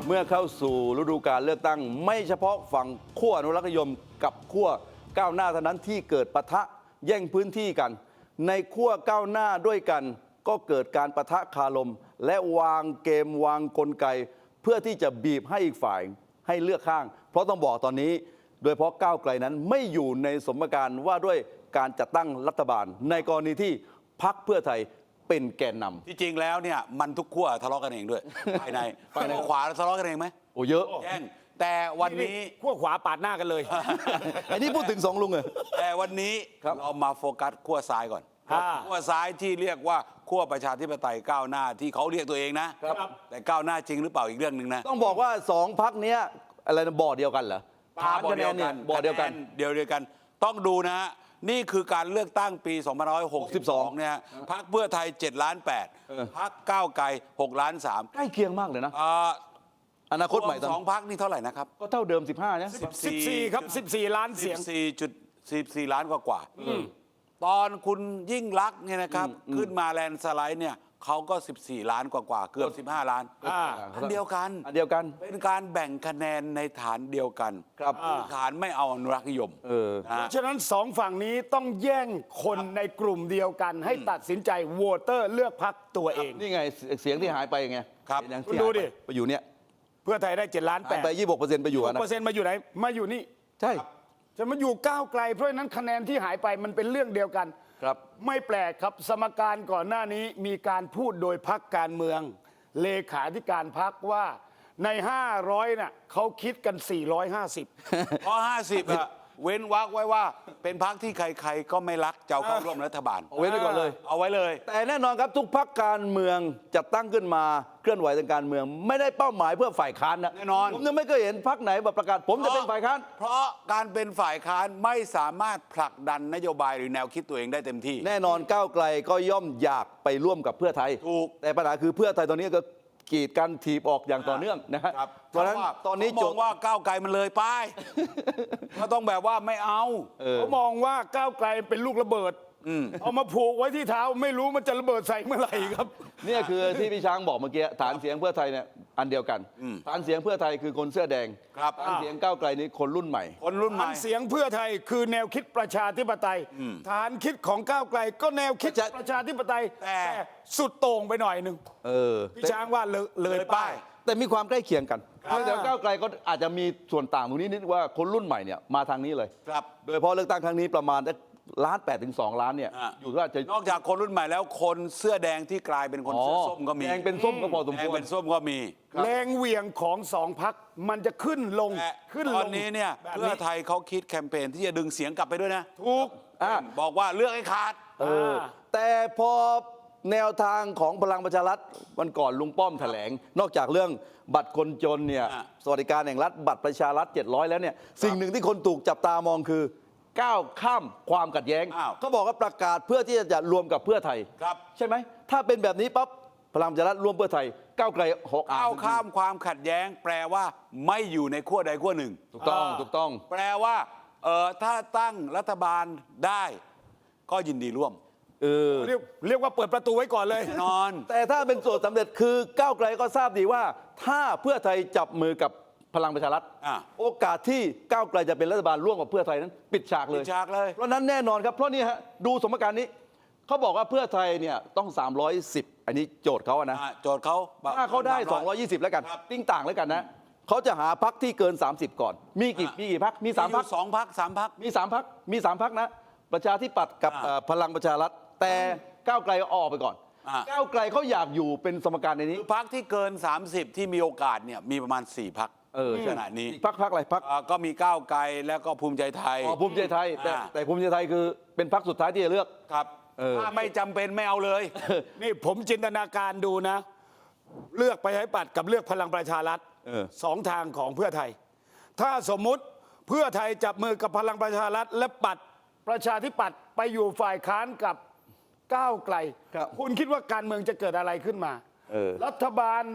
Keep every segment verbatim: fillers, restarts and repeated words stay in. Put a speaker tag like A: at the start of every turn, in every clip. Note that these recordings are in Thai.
A: เมื่อเข้าสู่ฤดูกาลเลือกตั้งไม่เฉพาะฝั่งขั้วอนุรักษนิยมกับขั้วก้าวหน้าเท่านั้นที่เกิดปะทะแย่งพื้นที่กัน ในขั้วก้าวหน้าด้วยกันก็เกิดการปะทะคารมและวางเกมวางกลไก เพื่อที่จะบีบให้อีกฝ่ายให้เลือกข้าง เพราะต้องบอกตอนนี้ โดยเฉพาะก้าวไกลนั้นไม่อยู่ในสมการว่าด้วยการจัดตั้งรัฐบาล ในกรณีที่พรรคเพื่อไทยเป็นแกนนำ
B: ที่จริงแล้วเนี่ยมันทุกขั้วทะเลาะกันเองด้วย ภายในฝ่ายขวาทะเลาะกันเองไหม
A: โอ้เยอะ
B: แย่งแต่วันนี้
C: ขั้วขวาปาดหน้ากันเลย
A: อันนี้พูดถึงสองลุงเลย
B: แต่วันนี้เรามาโฟกัสขั้วซ้ายก่อนขั้วซ้ายที่เรียกว่าขั้วประชาธิปไตยก้าวหน้าที่เขาเรียกตัวเองนะแต่ก้าวหน้าจริงหรือเปล่าอีกเรื่องหนึ่งนะ
A: ต้องบอกว่าสองพรรคนี้อะไรนะบ่อเดียวกันเหรอ
B: ฐานคะแนนเนี่ยบ่อเดียวกันเดียวเดียวกันต้องดูนะฮะนี่คือการเลือกตั้งปีสองพันห้าร้อยหกสิบสองเนี่ยพรรคเพื่อไทยเจ็ดล้านแปดพรรคก้าวไกลหกล้านสาม
A: ใกล้เคียงมากเลยนะอนาคตใหม่
B: สองพรรคนี่เท่าไหร่นะครับ
A: ก็เท่าเดิมสิบห้านะ
C: สิบสี่ครับสิบสี่ล้านเสียง
B: สิบสี่จุดสิบสี่ล้านกว่ากว่าตอนคุณยิ่งลักษณ์เนี่ยนะครับขึ้นมาแลนด์สไลด์เนี่ยเขาก็สิบสี่ล้านกว่ากว่าเกือบสิบห้าล้านอันเดียวกัน
A: อันเดียวกัน
B: เป็นการแบ่งคะแนนในฐานเดียวกัน
A: ครับ
B: ฐานไม่เอาอนุรักษ์นิยม
C: เพราะฉะนั้นสองฝั่งนี้ต้องแย่งคนในกลุ่มเดียวกันให้ตัดสินใจโหวตเตอร์เลือกพรรคตัวเอง
A: นี่ไงเสียงที่หายไปไง
B: ครับ
C: คุณดูดิ
A: ไปอยู่เนี่ย
C: เพื่อไทยได้เจ็ดล้านแปด
A: ไปยี่สิบหกเปอร์เซ็นต์ไปอยู่นะ
C: เปอร์เซ็นต์มาอยู่ไหนมาอยู่นี่
A: ใช่
C: จะมาอยู่ก้าวไกลเพราะนั้นคะแนนที่หายไปมันเป็นเรื่องเดียวกัน
A: ครับ
C: ไม่แปลกครับสมการก่อนหน้านี้มีการพูดโดยพรรคการเมืองเลขาธิการพรรคว่าในห้าร้อยน่ะเขาคิดกันสี่ร้อยห้าสิบ
B: เพราะห้าสิบอะเว้นวรรคไว้ว่าเป็นพรรคที่ใครๆก็ไม่รักจะเข้าร่วมรัฐบาล
A: เว้นไว้ก่อนเลย
B: เอาไว้เลย
A: แต่แน่นอนครับทุกพรรคการเมืองจัดตั้งขึ้นมาเคลื่อนไหวทางการเมืองไม่ได้เป้าหมายเพื่อฝ่ายค้านนะ
B: แน่นอน
A: ผมยังไม่เคยเห็นพรรคไหนแบบประกาศผมจะเป็นฝ่ายค้าน
B: เพราะการเป็นฝ่ายค้านไม่สามารถผลักดันนโยบายหรือแนวคิดตัวเองได้เต็มที่
A: แน่นอนก้าวไกลก็ย่อมอยากไปร่วมกับเพื่อไทย
B: ถูก
A: แต่ปัญหาคือเพื่อไทยตอนนี้ก็กีดกันถีบออกอย่างต่อเนื่องนะครับ
B: เพราะฉะนั้นตอนนี้โจทย์ว่าก้าวไกลมันเลยไปก็ต้องแบบว่าไม่เอา
C: เขามองว่าก้าวไกลเป็นลูกระเบิดเอามาผูกไว้ที่เท้าไม่รู้มันจะระเบิดใส่เมื่อไหร่ครับ
A: นี่คือที่พี่ช้างบอกเมื่อกี้ฐานเสียงเพื่อไทยเนี่ยอันเดียวกันฐานเสียงเพื่อไทยคือคนเสื้อแดงฐานเสียงก้าวไกลนี้คนรุ่นใหม่
B: คนรุ่นใหม่
C: ฐานเสียงเพื่อไทยคือแนวคิดประชาธิปไตยฐานคิดของก้าวไกลก็แนวคิดประชาธิปไตยแต่สุดโต่งไปหน่อยหนึ่งพี่ช้างว่าเลยป้าย
A: แต่มีความใกล้เคียงกันแต่ก้าวไกลก็อาจจะมีส่วนต่างตรงนี้นิดว่าคนรุ่นใหม่เนี่ยมาทางนี้เลยโดยเฉพาะเลือกตั้งครั้งนี้ประมาณล้านแปดถึงสองล้านเนี่ยอยู่ที่ว่าจะ
B: นอกจากคนรุ่นใหม่แล้วคนเสื้อแดงที่กลายเป็นคนเสื้อส้มก็มี
A: แดงเป็นส้มก็พอสมควร
B: แดงเป็นส้มก็มี
C: แรงเหวี่ยงของสองพรรคมันจะขึ้นลงขึ้นลง
B: ตอนนี้เนี่ยเพื่อไทยเขาคิดแคมเปญที่จะดึงเสียงกลับไปด้วยนะ
C: ถูก
B: บอกว่าเลือกให้ขาด
A: แต่พอแนวทางของพลังประชารัฐวันก่อนลุงป้อมแถลงนอกจากเรื่องบัตรคนจนเนี่ยสวัสดิการแห่งรัฐบัตรประชารัฐเจ็ดร้อยแล้วเนี่ยสิ่งหนึ่งที่คนถูกจับตามองคือก้าวข้ามความขัดแย้งเขาบอกว่าประกาศเพื่อที่จะรวมกับเพื่อไทยใช่ไหมถ้าเป็นแบบนี้ปั๊บพลังประชารัฐรวมเพื่อไทยก้าวไกลหก
B: ก้าวข้ามความขัดแย้งแปลว่าไม่อยู่ในขั้วใดขั้วหนึ่ง
A: ถูกต้องถูกต้อง
B: แปลว่าเออถ้าตั้งรัฐบาลได้ก็ยินดีร่วม
C: เออเรียกเรียกว่าเปิดประตูไว้ก่อนเลย
B: นอน
A: แต่ถ้าเป็นสูตรสำเร็จคือก้าวไกลก็ทราบดีว่าถ้าเพื่อไทยจับมือกับพลังประชารัฐโอกาสที่ก้าวไกลจะเป็นรัฐบาลร่วมกับเพื่อไทยนั้นปิดฉากเลย
B: ปิดฉากเลย
A: เพราะนั้นแน่นอนครับเพราะนี่ฮะดูสมการนี้เขาบอกว่าเพื่อไทยเนี่ยต้องสามร้อยสิบอันนี้โจทย์เขาอะนะ
B: โจทย์เขา
A: ถ้าเขาได้สองร้อยยี่สิบแล้วกันติ้งต่างแล้วกันนะเขาจะหาพรรคที่เกินสามสิบก่อนมีกี่มีกี่พรรคมีสามพรรค
B: สองพรรคสามพรรค
A: มีสามพรรคมีสามพรรคนะประชาธิปัตย์กับพลังประชารัฐแต่ก้าวไกลออกไปก่อนก้าวไกลเขาอยากอยู่เป็นสมการในนี้
B: พรรคที่เกินสามสิบที่มีโอกาสเนี่ยมีประมาณสี่พรรค
A: เออ
B: ขณะนี้
A: พรรคพรรคอะไรพรรค
B: ก็มีก้าวไกลแล้วก็ภูมิใจไทย
A: อ๋อภูมิใจไทยแต่แต่ภูมิใจไทยคือเป็นพรรคสุดท้ายที่จะเลือก
B: ครับถ้าไม่จำเป็นไม่เอาเลย
C: นี่ผมจินตนาการดูนะเลือกไปให้ปัดกับเลือกพลังประชารัฐสองทางของเพื่อไทยถ้าสมมุติเพื่อไทยจับมือกับพลังประชารัฐและปัดประชาธิปัตย์ไปอยู่ฝ่ายค้านกับก้าวไกลคุณคิดว่าการเมืองจะเกิดอะไรขึ้นมารัฐบาล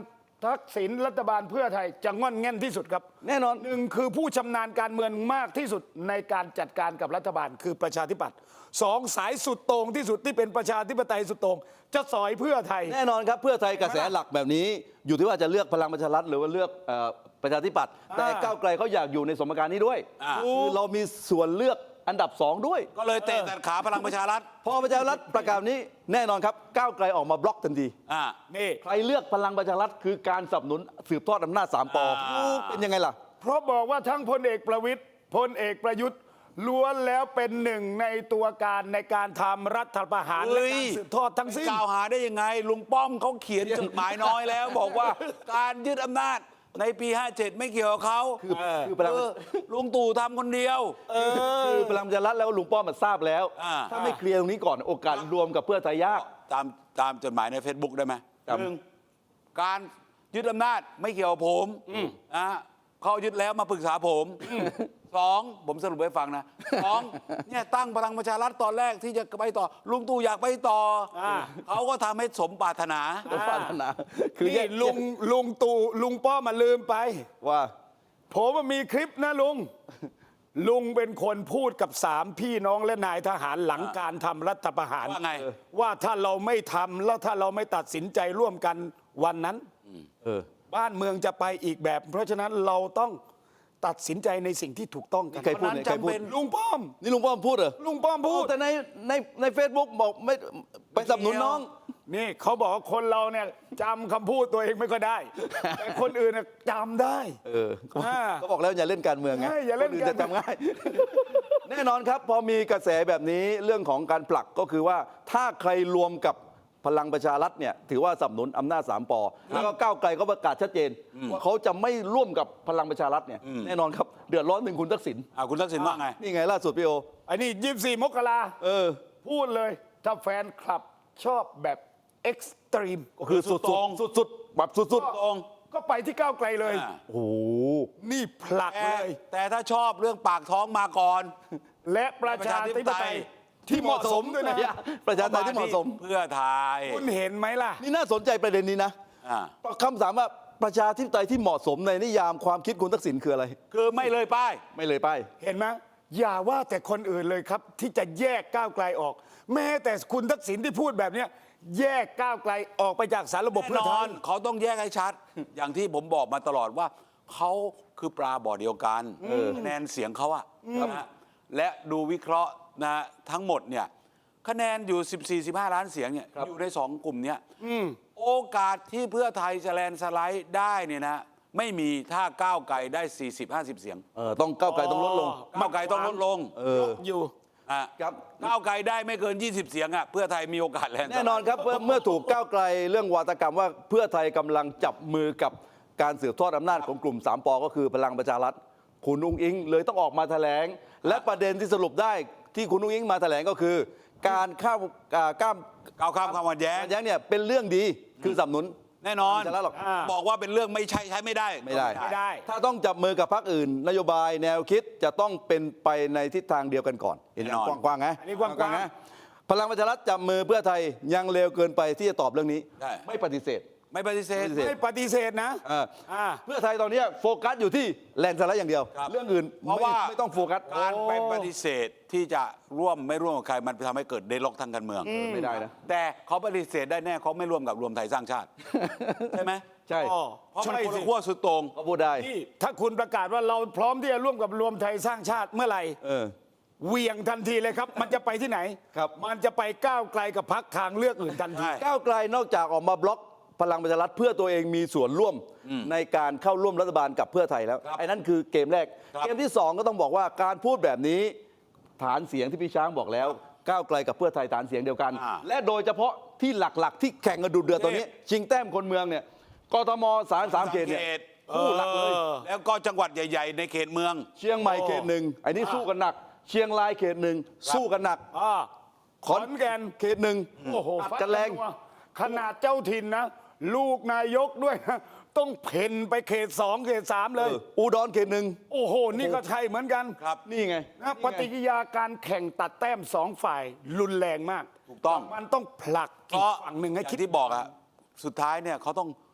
C: ทักษิณรัฐบาลเพื่อไทยจะง่อนแง่นที่สุดครับ
A: แน่นอน
C: หนึ่งคือผู้ชำนาญการเมืองมากที่สุดในการจัดการกับรัฐบาลคือประชาธิปัตย์สองสายสุดโต่งที่สุดที่เป็นประชาธิปไตยสุดโต่งจะสอยเพื่อไทย
A: แน่นอนครับเพื่อไทยกระแสหลักแบบนี้ อยู่ที่ว่าจะเลือกพลังประชารัฐหรือว่าเลือกเอ่อประชาธิปัตย์แต่ก้าวไกลเขาอยากอยู่ในสมการนี้ด้วย
B: อ่า
A: คือเรามีส่วนเลือกอันดับสองด้วย
B: ก็เลยเตะตัดขาพลังประชารัฐ
A: พอประชารัฐประกาศนี้แน่นอนครับก้าวไกลออกมาบล็อกทันที
B: อ่า
C: นี่
A: ใครเลือกพลังประชารัฐคือการสนับสนุนสืบทอดอำนาจสามปอ
B: อ่า
A: เป็นยังไงล่ะ
C: เพราะบอกว่าทั้งพลเอกประวิตยพลเอกประยุทธ์ล้วนแล้วเป็นหนึ่งในตัวการในการทำรัฐประหารและการสืบทอดทั้งสิ้น
B: กล่าวหาได้ยังไง ลุงป้อมเขาเขียนจดหมายน้อยแล้ว บอกว่าการยึดอำนาจในปี ห้าเจ็ด ไม่เกี่ยวกับเขา
A: คือคือพลัง
B: เออลุงตู่ทำคนเดียว
A: คือพลังประชารัฐแล้วลุงป้อมมันทราบแล้ว
B: อ่า
A: ถ้าไม่เคลียร์ตรงนี้ก่อนโอกาสรวมกับเพื่อไทยยาก
B: ตามตามจดหมายใน Facebook ได้ไหม
A: ครับ
B: หนึ่งการยึดอำนาจไม่เกี่ยวกับผมนะเขายึดแล้วมาปรึกษาผมสองผมสรุปให้ฟังนะสองเนี่ยตั้งพลังประชารัฐตอนแรกที่จะไปต่อ ลุงตู่อยากไปต่ออา เขาก็ทำให้สมปรารถนา
A: ผมปรารถนาคือ
C: นี่
A: แยก
C: ลุงลุงตู่ลุงป้อมมาลืมไป
A: ว่า
C: ผมว่ามีคลิปนะลุง ลุงเป็นคนพูดกับสามพี่น้องและนายทหารหลังการทำรัฐประหาร
B: ว่าไง
C: ว่าถ้าเราไม่ทำแล้วถ้าเราไม่ตัดสินใจร่วมกันวันนั้น
A: เออ
C: บ้านเมืองจะไปอีกแบบ เพราะฉะนั้นเราต้องตัดสินใจในสิ่งที่ถูกต้องกัน
A: ใครพูด
B: วันนั้น
A: ใครพูด
B: จำเป็น
C: ลุงป้อม
A: นี่ลุงป้อมพูดเหรอ
C: ลุงป้อมพูด
A: แต่ในในในเฟซบุ๊กบอกไม่ไปสนับสนุนน้อง
C: นี่เขาบอกว่าคนเราเนี่ยจำคำพูดตัวเองไม่ค่อยได้ แต่คนอื่นน่ะจำได้
A: เออเขา
C: อ่า
A: เขาบอกแล้วอย่าเล่นการเมืองไง
C: ใช่อย่าเล่น
A: คอื่
C: การ
A: จะจำง่าย แน่นอนครับ พอมีกระแสแบบนี้เรื่องของการผลักก็คือว่าถ้าใครรวมกับพลังประชารัฐเนี่ยถือว่าสนับสนุนอำนาจสามปอแล้วก็ก้าวไกลก็ประกาศชัดเจนว่าเขาจะไม่ร่วมกับพลังประชารัฐเนี่ยแน่นอนครับเดือดร้อนถึงคุณทักษิณ
B: อ่าคุณทักษิณว่าไง
A: นี่ไงล่าสุดพี่โอ
C: ไอ้นี่ยี่สิบสี่มกรา
A: เออ
C: พูดเลย ถ้าแฟนคลับชอบแบบเอ็กซ์ตรีม
A: ก็คือสุด
B: สุดตรง
A: สุดสุดๆแบบสุดสุด
B: ตรง
C: ก็ไปที่ก้าวไกลเลย
B: อ่า
A: ๆโอ้โห
C: นี่ผลัก
B: แต่
C: เลย
B: แต่ถ้าชอบเรื่องปากท้องมาก่อน
C: และประชาธิปไตยที่เหมาะสมด้วยนะ
A: ประชาธิปไตยที่เหมาะสม
B: เพื่อไทย
C: คุณเห็นไหมล่ะ
A: นี่น่าสนใจประเด็นนี้นะ
B: อ่า
A: คำถามว่าประชาธิปไตยที่เหมาะสมในนิยามความคิดคุณทักษิณคืออะไร
B: คือไม่เลยป้าย
A: ไม่เลยไป
C: เห็นไหมอย่าว่าแต่คนอื่นเลยครับ ที่จะแยกก้าวไกลออก แม้แต่คุณทักษิณที่พูดแบบเนี้ยแยกก้าวไกลออกไปจากสารระบบ
B: แน่
C: เพื่อน ไท
B: อย นเขาต้องแยกให้ชัด อย่างที่ผมบอกมาตลอดว่า เขาคือปลาบ่อเดียวกันคะแนนเสียงเขาอะนะฮะและดูวิเคราะห์นะฮะทั้งหมดเนี่ยคะแนนอยู่ สิบสี่ สิบห้า ล้านเสียงเนี่ยอยู่ในสองกลุ่มเนี้ยโอกาสที่เพื่อไทยจะแลนด์สไลด์ได้เนี่ยนะไม่มีถ้าก้าวไกลได้ สี่สิบ ห้าสิบ เสียง
A: เออต้องก้าวไกลต้องลดลง
B: ก้าวไกลต้องลดลง
A: เออ
C: อยู่
B: อ่ะ
A: ครับ
B: ก้าวไกลได้ไม่เกิน ยี่สิบ เสียงอ่ะเพื่อไทยมีโอกาสแลนด์สไลด์
A: แน่นอนครับเมื่อเมื่อถูกก้าวไกลเรื่องวาทกรรมว่าเพื่อไทยกำลังจับมือกับการสืบทอดอำนาจของกลุ่มสามปอก็คือพลังประชารัฐคุณอุ้งอิงเลยต้องออกมาแถลง และประเด็นที่สรุปได้ที่คุณอุ้งอิงมาแถลงก็คือ การข้ามอ่าก้าม
B: ก้าวข้ามความขัดแย้ง
A: ขัดแย้งเนี่ยเป็นเรื่องดีคือสนับสนุน
B: แน่นอน
A: ไม่ใช่แล้วหรอก
C: อ่า
B: บอกว่าเป็นเรื่องไม่ใช่ใช้ไม่ได้
A: ไม่ได้
C: ไม่ได้
A: ถ้าต้องจับมือกับพรรคอื่น นโยบายแนวคิดจะต้องเป็นไปในทิศทางเดียวกันก่อน เห็นอย่างกว้างๆไง
C: อันนี้กว้างๆ
A: นะพลังประชารัฐจับมือเพื่อไทยยังเร็วเกินไปที่จะตอบเรื่องนี้
B: ใช่
A: ไม่ปฏิเสธ
B: ไม่ปฏิเสธ
A: ไม่ปฏิเสธ
C: ไม่ปฏิเสธนะ
A: เออ
C: อ่า
A: เพื่อไทยตอนนี้โฟกัสอยู่ที่แลนด์สไลด์อย่างเดียว
B: ครับ
A: เรื่องอื่น
B: เพราะว่า
A: ไม่ไม่ต้องโฟกัส
B: การไปปฏิเสธที่จะร่วมไม่ร่วมกับใครมันทำให้เกิดเดดล็อกทางการเมือง
A: ไม่ได้นะ
B: แต่เขาปฏิเสธได้แน่เขาไม่ร่วมกับรวมไทยสร้างชาติ ใช่ไหม
A: ใช่
C: อ๋อ
B: เพราะมัน
C: ใช่
B: คน
C: สิ
B: ละขั้วสุดโต่ง
A: ก็พูดได้
C: นี่ถ้าคุณประกาศว่าเราพร้อมที่จะร่วมกับรวมไทยสร้างชาติเมื่อไหร่
A: เออ
C: เหวี่ยงทันทีเลยครับ มันจะไปที่ไหน
A: ครับ
C: มันจะไปก้าวไกลกับพักทางเลือกอื่นทันที
B: ใช่
A: ก้าวไกลนอกจากออกมาบล็อกพลังประชารัฐเพื่อตัวเองมีส่วนร่วมในการเข้าร่วมรัฐบาลกับเพื่อไทยแล้ว
B: ครับ
A: ไอ้นั่นคือเกมแรก
B: ครับ
A: เกมที่สองก็ต้องบอกว่าการพูดแบบนี้ฐานเสียงที่พี่ช้างบอกแล้ว ก้าวไกลกับเพื่อไทยฐานเสียงเดียวกัน
B: อ่า
A: และโดยเฉพาะที่หลักๆ ที่แข่งกันดุเดือดตอนนี้ ชิงแต้มคนเมืองเนี่ยกทมสามสามเขตเนี่ยคู่หลักเลย
B: แล้วก็จังหวัดใหญ่ ๆ ในเขตเมือง
A: เชียงใหม่เขตหนึ่งไอ้นี่สู้กันหนัก เชียงรายเขตหนึ่งสู้กันหนัก
C: อ่า
A: ขอนแก่นเขตหนึ่ง
C: โอ้โห
A: อัดกันแรง
C: ขนาดเจ้าถิ่นนะ ลูกนายกด้วยนะ ต้องเพ่นไปเขตสองเขตสามเลย
A: เอออุดรเขตหนึ่ง
C: โอ้โห นี่ก็ใช่เหมือนกัน
B: ครับ
A: นี่ไง
C: นะปฏิกิริยาการแข่งตัดแต้มสองฝ่ายรุนแรงมาก
B: ถูกต้อง
C: มันต้องผลัก
B: เพ
C: อีก
B: ราะ
C: ฝั่งหนึ่งให้
B: อย่า
C: คิด
B: ที่บอกอะสุดท้ายเนี่ยเขาต้อง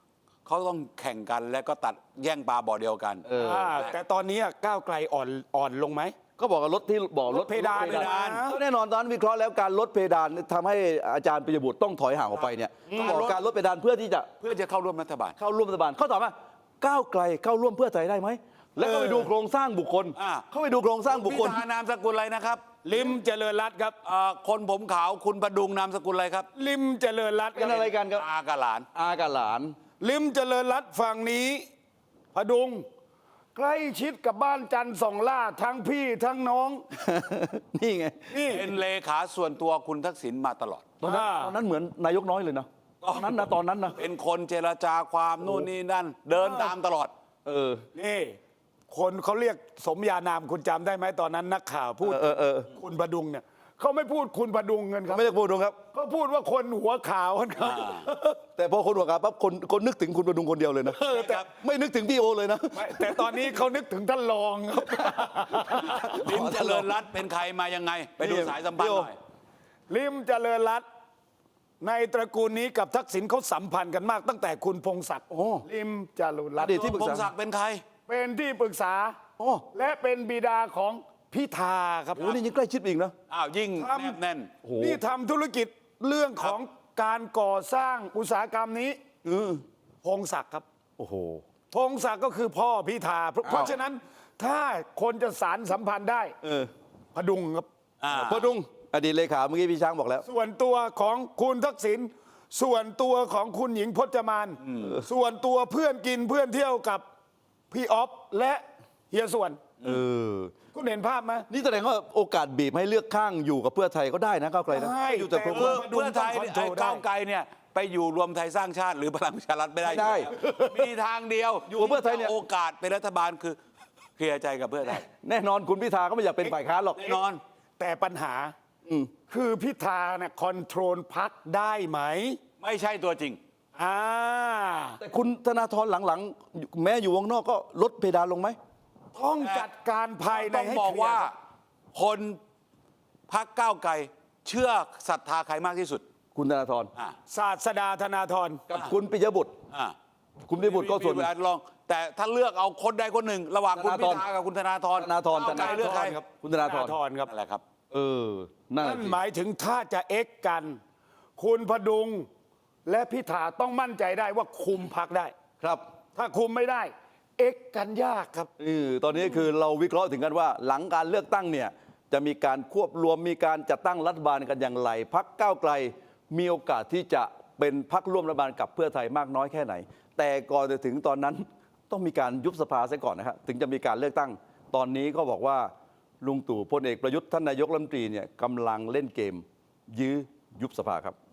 B: เขาต้องแข่งกันและก็ตัดแย่งปลาบ่อเดียวกัน
A: เออ
C: อ่าแต่ตอนนี้ก้าวไกลอ่อนอ่อนลงไหม
A: ก็บอกว่าลดที่บอก
C: ลดเพดาน
A: ล
C: เพดาน
A: ก็แน่นอนตอนนั้นวิเคราะห์แล้วการลดเพดานทำให้อาจารย์ปิยบุตรต้องถอยห่างออกไปเนี่ยก็บอกการลดเพดานเพื่อที่จะ
B: เพื่อจะเข้าร่วมรัฐบาล
A: เข้าร่วมรัฐบาลเขาตอบว่าก้าวไกลเข้าร่วมเพื่อไทยได้ไหมแล้วก็ไปดูโครงสร้างบุคคล
B: อ่า
A: เขาไปดูโครงสร้างบุคคล
B: พิธานามสกุลอะไรนะครับ
C: ลิมเจริญรัตน์ครับ
B: เอ่อคนผมขาวคุณประดุงนามสกุลอะไรครับ
C: ลิมเจริญรัตน์ค
A: เป็น
C: รับ
A: อะไรกันครับ
B: อากาหลาน
A: อากับหลาน
C: ลิมเจริญรัตน์ฝั่งนี้พดุงใกล้ชิดกับบ้านจันทร์สองล่าทั้งพี่ทั้งน้อง
A: นี่ไง
C: นี่
B: เป็นเลขาส่วนตัวคุณทักษิณมาตลอด
A: ตอนนั้น
C: อ่า
A: ตอนนั้นเหมือนนายกน้อยเลยนะตอนนั้นนะตอนนั้นนะ
B: เป็นคนเจรจาความนู่นนี่นั่น เดินตามตลอด
A: เออ
C: นี่คนเขาเรียกสมญานามคุณจำได้ไหมตอนนั้นนักข่าวพูด
A: เออเออเออ
C: คุณพดุงเนี่ยเขาไม่พูดคุณพดุงกันครับ
A: ไม่ได้พูดตรงครับ
C: เขาพูดว่าคนหัวขาวกันครับ
A: แต่พอคนหัวกาปั๊บคนคนนึกถึงคุณประดุงคนเดียวเลยนะ
C: เออแต่
A: ไม่นึกถึงพี่โอเลยนะ
C: ไม่แต่ตอนนี้เขานึกถึงท่านรองครับ
B: ลิมเจริญรัตน์เป็นใครมายังไง ไปดูสายสัมพันธ์หน่อย
C: ลิมเจริญรัตน์ในตระกูลนี้กับทักษิณเขาสัมพันธ์กันมากตั้งแต่คุณพงศักดิ์
A: โอ้
C: ลิมเจริญรัต
A: อ
C: น์
A: ดีตที่ปรึ
B: พ
A: ก
B: ง
A: ษา
B: ศักดิ์เป็นใคร
C: เป็นที่ปรึกษา
A: โอ้
C: และเป็นบิดาของพิธาครับ
A: โหนี่ยิ่งใกล้ชิดอีกนะ
B: อ้าวยิ่ง
C: ทำ
B: แนบแน่น
A: โอ้โห
C: นี่ทำธุรกิจเรื่องของการก่อสร้างอุตสาหกรรมนี้
A: เออ
C: พงศักดิ์ครับ
A: โอ้โห
C: พงศักดิ์ก็คือพ่อพิธาเพราะเพราะฉะนั้นถ้าคนจะสารสัมพันธ์ได้
A: เออ
C: พดุงครับ
B: อ่า
A: พอดุงอดีตเลขาเมื่อกี้พี่ช้างบอกแล้ว
C: ส่วนตัวของคุณทักษิณส่วนตัวของคุณหญิงพจมาน ส่วนตัวเพื่อนกินเพื่อนเที่ยวกับพี่ออฟและเฮียส่วน
A: เออ
C: คุณเห็นภาพไหม
A: นี่แสดงว่าโอกาสบีบให้เลือกข้างอยู่กับเพื่อไทยก็ได้นะก้าวไกลนะ
C: ได้
A: อยู่แต่
C: แต่
A: โครง
C: ว่า
B: เพื่อเพื่อไทยเนี่ยไอ้ก้าวไกลเนี่ยไปอยู่รวมไทยสร้างชาติหรือพลังประชารัฐไม่ได้
A: ไม่ได้
B: มีทางเดียว
A: อยู่กับเพื่อไทยเนี่ย
B: โอกาสเป็นรัฐบาลคือเคลียร์ใจกับเพื่อไทย
A: แน่นอนคุณพิธาก็ไม่อยากเป็นฝ่ายค้านหรอก
B: แน่นอน
C: แต่ปัญหาคือพิธาเนี่ยคอนโทรลพักได้ไหม
B: ไม่ใช่ตัวจริง
C: อ่า
A: แต่คุณธนาธรหลังๆ แม้อยู่วงนอกก็ลดเพดานลงไหม
C: ต้องจัดการภายใน
B: ต้อง
C: ให้
B: บอก
C: เคลีย
B: ว่า
C: ร์ครับ
B: คนพักก้าวไกลเชื่อศรัทธาใครมากที่สุด
A: คุณธนาธร
B: อ่า
C: ศาสดาธนาธร
A: กับคุณปิยบุตร
B: อ่า
A: คุณปิยบุตรก็ส่วนหนึ่ง
B: ลอง แต่ถ้าเลือกเอาคนใดคนหนึ่ง ระหว่างคุณ
A: ธ
B: พิ
A: นาธร
B: ธากับคุณธนาธร
A: ธนาธร
B: ก้าวไกลเลือกใคร
C: ครับ
A: คุณธนาธร
C: ธรครับ
B: นั่นแหละครับ
A: เออนั่น
C: นั่
A: น่ะ
C: น
A: สิ
C: หมายถึงถ้าจะเอ็กกัน คุณพดุง และพิธาต้องมั่นใจได้ว่าคุมพักได้
A: ครับ
C: ถ้าคุมไม่ได้ เอ็กกันยากครับ
A: เออตอนนี้คือเราวิเคราะห์ถึงกันว่า หลังการเลือกตั้งเนี่ยจะมีการควบรวมมีการจัดตั้งรัฐบาลกันอย่างไรพักก้าวไกลมีโอกาสที่จะเป็นพักร่วมรัฐบาลกับเพื่อไทยมากน้อยแค่ไหน แต่ก่อนจะถึงตอนนั้นต้องมีการยุบสภาซะก่อนนะครับถึงจะมีการเลือกตั้ง ตอนนี้ก็บอกว่าลุงตู่พลเอกประยุทธ์ท่านนายกรัฐมนตรีเนี่ยกำลังเล่นเกม ยื้อยุบสภาครับ